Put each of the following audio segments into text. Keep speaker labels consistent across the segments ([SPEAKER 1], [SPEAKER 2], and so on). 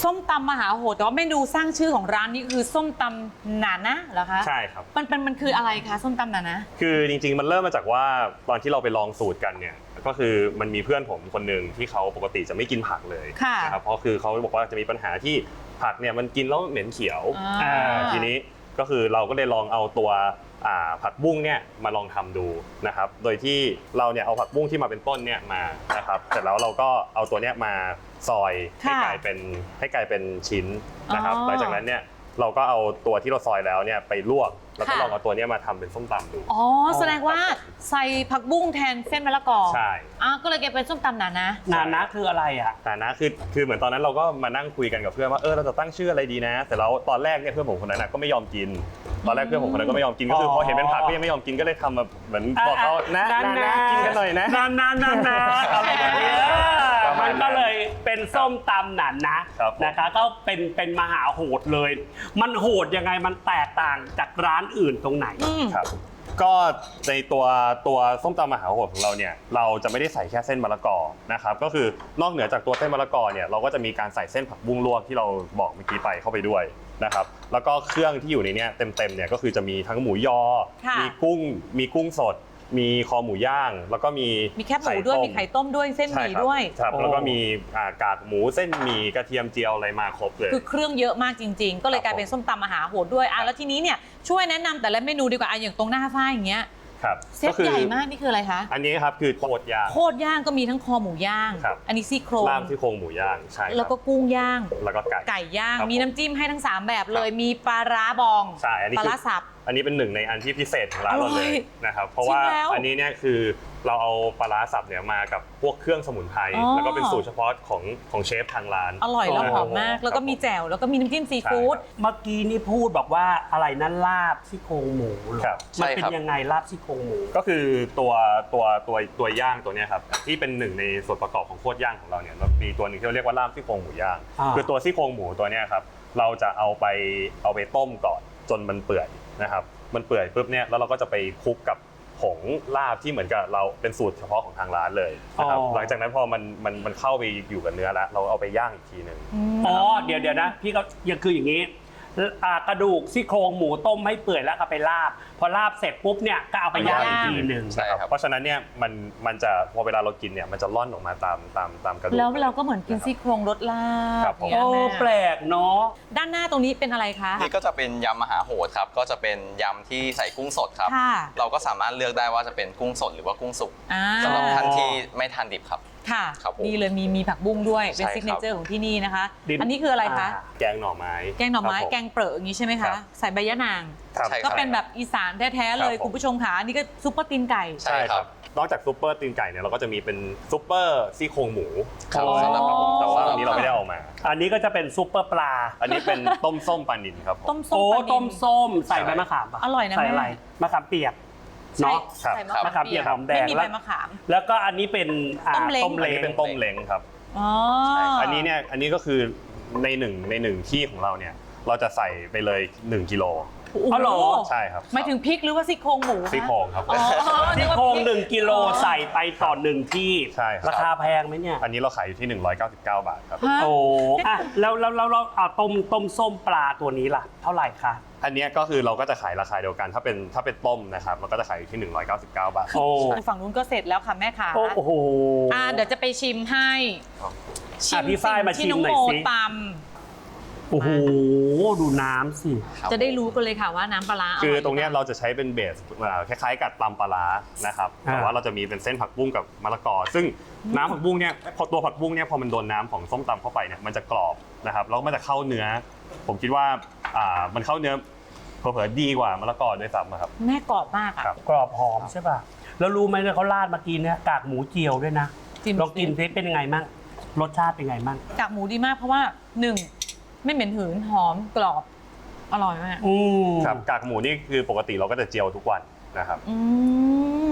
[SPEAKER 1] ส้มตำมหาโหดแต่ว่าเมนูสร้างชื่อของร้านนี้คือส้มตำหนานะเหรอคะ
[SPEAKER 2] ใช่ครับ
[SPEAKER 1] มันคืออะไรคะส้มตำหนานะ
[SPEAKER 2] คือจริงๆมันเริ่มมาจากว่าตอนที่เราไปลองสูตรกันเนี่ยก็คือมันมีเพื่อนผมคนหนึ่งที่เขาปกติจะไม่กินผักเลยนะครับเพราะคือเขาบอกว่าจะมีปัญหาที่ผักเนี่ยมันกินแล้วเหม็นเขียวทีนี้ก็คือเราก็เลยลองเอาตัวผักบุ้งเนี่ยมาลองทำดูนะครับโดยที่เราเนี่ยเอาผักบุ้งที่มาเป็นต้นเนี่ยมานะครับเสร็จแล้วเราก็เอาตัวเนี้ยมาซอยให้กลายเป็นชิ้นนะครับหลังจากนั้นเนี่ยเราก็เอาตัวที่เราซอยแล้วเนี่ยไปลวกแล้วก็ลองเอาตัวนี้มาทำเป็นส้มตำดู
[SPEAKER 1] อ๋อแสดงว่าใส่ผักบุ้งแทนเส้นมะละกอ
[SPEAKER 2] ใช่
[SPEAKER 1] ก็เลยเป็นส้มตำหนานะ
[SPEAKER 3] คืออะไรอ่ะ
[SPEAKER 2] หนานะคือเหมือนตอนนั้นเราก็มานั่งคุยกันกับเพื่อนว่าเราจะตั้งชื่ออะไรดีนะแต่แล้วตอนแรกเนี่ยเพื่อนผมคนนั้นก็ไม่ยอมกินตอนแรกเพื่อนผมคนนั้นก็ไม่ยอมกินก็คือพอเห็นเป็นผักก็ยังไม่ยอมกินก็เลยทำแบบเหมือนบอกเขานะกินกันหน่อยนะ
[SPEAKER 3] อะไรแบบนี้มันก็เลยเป็นส้มตำหนานะนะคะก็เป็นมหาโหดเลยมันโหดยังไงมันแตกต่างจากร้านอื่นตรงไหน
[SPEAKER 2] ครับก็ในตัวส้มตำมหาโหดของเราเนี่ยเราจะไม่ได้ใส่แค่เส้นมะละกอนะครับก็คือนอกเหนือจากตัวเส้นมะละกอเนี่ยเราก็จะมีการใส่เส้นผักบุ้งลวกที่เราบอกเมื่อกี้ไปเข้าไปด้วยนะครับแล้วก็เครื่องที่อยู่ในนี้เต็มเนี่ยก็คือจะมีทั้งหมูยอมีกุ้งสดมีคอหมูย่างแล้วก็มี
[SPEAKER 1] แคบหมูด้วยมีไข่ต้มด้วยเส้นหมี่ด้วย
[SPEAKER 2] ครับแล้วก็มีกากหมูเส้นหมี่กระเทียมเจียวอะไรมาครบเลย
[SPEAKER 1] คือเครื่องเยอะมากจริงๆก็เลยกลายเป็นส้มตำมหาโหดด้วยแล้วทีนี้เนี่ยช่วยแนะนำแต่ละเมนูดีกว่าอย่างตรงหน้าฝ้ายอย่างเงี้ยเซตใหญ่มากนี่คืออะไรคะ
[SPEAKER 2] อันนี้ครับคือโคตร
[SPEAKER 1] ย่างก็มีทั้งคอหมูย่างอันนี้ซี่โครง
[SPEAKER 2] ลาบซี่โครงหมูย่างใช่
[SPEAKER 1] แล้วก็กุ้งย่าง
[SPEAKER 2] แล้วก็ไก่
[SPEAKER 1] ย่างมีน้ำจิ้มให้ทั้ง3แบบเลยมีปลาร้าบองปลาร้าสับ
[SPEAKER 2] อันนี้เป็นหนึ่งในอันที่พิเศษของร้านเราเลยนะครับเพราะว่าอันนี้เนี่ยคือเราเอาปลาร้าสับเนี่ยมากับพวกเครื่องสมุนไพรแล้วก็เป็นสูตรเฉพาะของเชฟทางร้าน
[SPEAKER 1] อร่อยแล้วหอมมากแล้วก็มีแจ่วแล้วก็มีน้ำจิ้มซีฟู้ด
[SPEAKER 3] เมื่อกี้นี่พูดบอกว่าอะไรนั่นลาบซี่โครงหมูมันเป็นยังไงลาบซี่โครงหมู
[SPEAKER 2] ก็คือตัวย่างตัวนี้ครับที่เป็นหนึ่งในส่วนประกอบของโคตรย่างของเราเนี่ยมีตัวหนึ่งที่เราเรียกว่าลาบซี่โครงหมูย่างคือตัวซี่โครงหมูตัวนี้ครับเราจะเอาไปต้มก่อนจนมันเปื่อยนะครับมันเปื่อยปุ๊บเนี่ยแล้วเราก็จะไปคลุกกับผงลาบที่เหมือนกับเราเป็นสูตรเฉพาะของทางร้านเลยนะครับหลังจากนั้นพอมันเข้าไปอยู่กับเนื้อแล้วเราเอาไปย่างอีกทีนึง
[SPEAKER 3] เดี๋ยวนะพี่ก็ยังคืออย่างนี้กระดูกซี่โครงหมูต้มให้เปื่อยแล้วก็ไปลาบพอลาบเสร็จปุ๊บเนี่ยก็เอาไปย่างอีกทีนึง
[SPEAKER 2] ใช่ครับเพราะฉะนั้นเนี่ยมันจะพอเวลาเรากินเนี่ยมันจะล่อนออกมาตามกระดูก
[SPEAKER 1] แล้วเราก็เหมือนกินซี่โครงรสลาบ
[SPEAKER 3] แปลกเนาะ
[SPEAKER 1] ด้านหน้าตรงนี้เป็นอะไรคะ
[SPEAKER 4] นี่ก็จะเป็นยำมหาโหดครับก็จะเป็นยำที่ใส่กุ้งสดครับเราก็สามารถเลือกได้ว่าจะเป็นกุ้งสดหรือว่ากุ้งสุกสำหรับท่านที่ไม่ทานดิบครับ
[SPEAKER 1] ค่ะนี่เลยมีผักบุ้งด้วยเป็นซิกเนเจอร์ของที่นี่นะคะอันนี้คืออะไรคะ
[SPEAKER 2] แกงหน่อไม้
[SPEAKER 1] แกงเปรอะอย่างนี้ใช่ไหมคะใส่ใบยะนางก็เป็นแบบอีสานแท้ๆเลยคุณผู้ชมค่ะอันนี้ก็ซุปเปอร์ตีนไก่
[SPEAKER 2] ใช่ครับนอกจากซุปเปอร์ตีนไก่เนี่ยเราก็จะมีเป็นซุปเปอร์ซี่โครงหมูแต่ว่าอันนี้เราไม่ได้เอามา
[SPEAKER 3] อันนี้ก็จะเป็นซุปเปอร์ปลา
[SPEAKER 2] อันนี้เป็นต้มส้มปลานิลครับ
[SPEAKER 1] ต้มส้ม
[SPEAKER 3] ใส่ใบมะขาม
[SPEAKER 1] อร่อยนะ
[SPEAKER 3] ใส่อะไรมะขามเปียกเนาะมะขามเปียกหอมแดง
[SPEAKER 1] ไม่มีใบมะขาม
[SPEAKER 3] แล้วก็อันนี้เป็น
[SPEAKER 2] ต้มเล้งเป็นต้มเล้งครับอันนี้เนี่ยอันนี้ก็คือในหนึ่งที่ของเราเนี่ยเราจะใส่ไปเลย1กิโล
[SPEAKER 3] อ๋อเหรอ
[SPEAKER 2] ใช่ครับ
[SPEAKER 1] หมายถึงพริกหรือว่าซี่โครงหมู
[SPEAKER 2] ซี่โครงครับ
[SPEAKER 3] ซี่โครง1กิโลใส่ไปต่อ1ที่
[SPEAKER 2] ใช่
[SPEAKER 3] ราคาแพงไหมเนี่ย
[SPEAKER 2] อันนี้เราขายอยู่ที่199 บาทครับ
[SPEAKER 3] โอ้แล้วต้มส้มปลาตัวนี้ล่ะเท่าไหร่คะ
[SPEAKER 2] อันนี้ก็คือเราก็จะขายราคาเดียวกันถ้าเป็นต้มนะครับเราก็จะขายอยู่ที่199 บาท
[SPEAKER 1] ฝั่งนู้นก็เสร็จแล้วค่ะแม่ค่ะ
[SPEAKER 3] โอ้โห
[SPEAKER 1] เดี๋ยวจะไปชิมให้
[SPEAKER 3] พี่ฝ้ายมาชิมหน่อยสิโอ้โหดูน้ำสิ
[SPEAKER 1] จะได้รู้กันเลยค่ะว่าน้ำปลาร้า
[SPEAKER 2] คือตรงนี้เราจะใช้เป็นเบสคล้ายๆกับตำปลาร้านะครับแต่ว่าเราจะมีเป็นเส้นผักบุ้งกับมะละกอซึ่งน้ำผักบุ้งเนี่ยพอตัวผักบุ้งเนี่ยพอมันโดนน้ำของส้มตำเข้าไปเนี่ยมันจะกรอบนะครับแล้วมันจะเข้าเนื้อผมคิดว่ามันเข้าเนื้อเผลอๆดีกว่ามะละกอด้วยซ้ำครับ
[SPEAKER 1] แม่กรอบมาก
[SPEAKER 3] กรอบหอมใช่ป่ะแล้วรู้ไหมเนี่ยเขาราดมากินเนี่ยกากหมูเจียวด้วยนะลองกินซิเป็นยังไงมั่งรสชาติเป็นไงมั่ง
[SPEAKER 1] กากหมูดีมากเพราะว่า1ไม่เหม็นหืนหอมกรอบอร่อยมาก
[SPEAKER 2] ครับกากหมูนี่คือปกติเราก็จะเจียวทุกวันนะครับ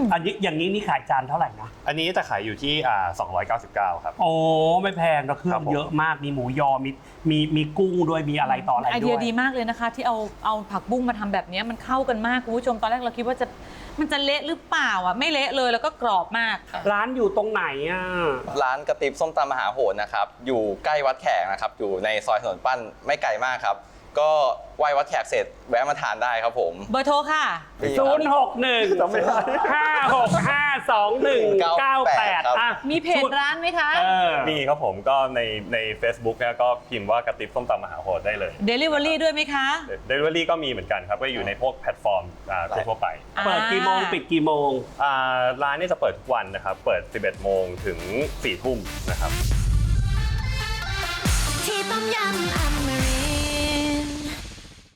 [SPEAKER 3] อันนี้อย่างนี้นี่ขายจานเท่าไหร่นะ
[SPEAKER 2] อันนี้จะขายอยู่ที่299ครับ
[SPEAKER 3] โอ้ไม่แพงนะเครื่องเยอะมากมีหมูยอมีกุ้งด้วยมีอะไรต่ออะไรด้วย
[SPEAKER 1] ไอเดียดีมากเลยนะคะ ที่เอาผักบุ้งมาทำแบบนี้มันเข้ากันมากคุณผู้ชมตอนแรกเราคิดว่ามันจะเละหรือเปล่าอ่ะไม่เละเลยแล้วก็กรอบมาก
[SPEAKER 3] ร้านอยู่ตรงไหนอ่ะ
[SPEAKER 4] ร้านกระติบส้มตำมหาโหดนะครับอยู่ใกล้วัดแขกนะครับอยู่ในซอยถนนปั้นไม่ไกลมากครับก็ไหว้วัดแขกเสร็จแวะมาทานได้ครับผม
[SPEAKER 1] เบอร์โทรค่ะ
[SPEAKER 3] 061
[SPEAKER 2] จำไม่ได้
[SPEAKER 3] 5652198อ่ะ
[SPEAKER 1] มีเพจร้านไหมคะ
[SPEAKER 2] มีครับผมก็ใน Facebook เนี่ยก็พิมพ์ว่ากระติบส้มตำมหาโหดได้เลย
[SPEAKER 1] Delivery ด้วยไหมคะ
[SPEAKER 2] Delivery ก็มีเหมือนกันครับก็อยู่ในพวกแพลตฟอร์มทั่วไป
[SPEAKER 3] เปิดกี่โมงปิดกี่โมง
[SPEAKER 2] ร้านนี้จะเปิดทุกวันนะครับเปิด 11 โมงถึง 4 ทุ่มนะครับ
[SPEAKER 5] ที่ต้มยำอมริ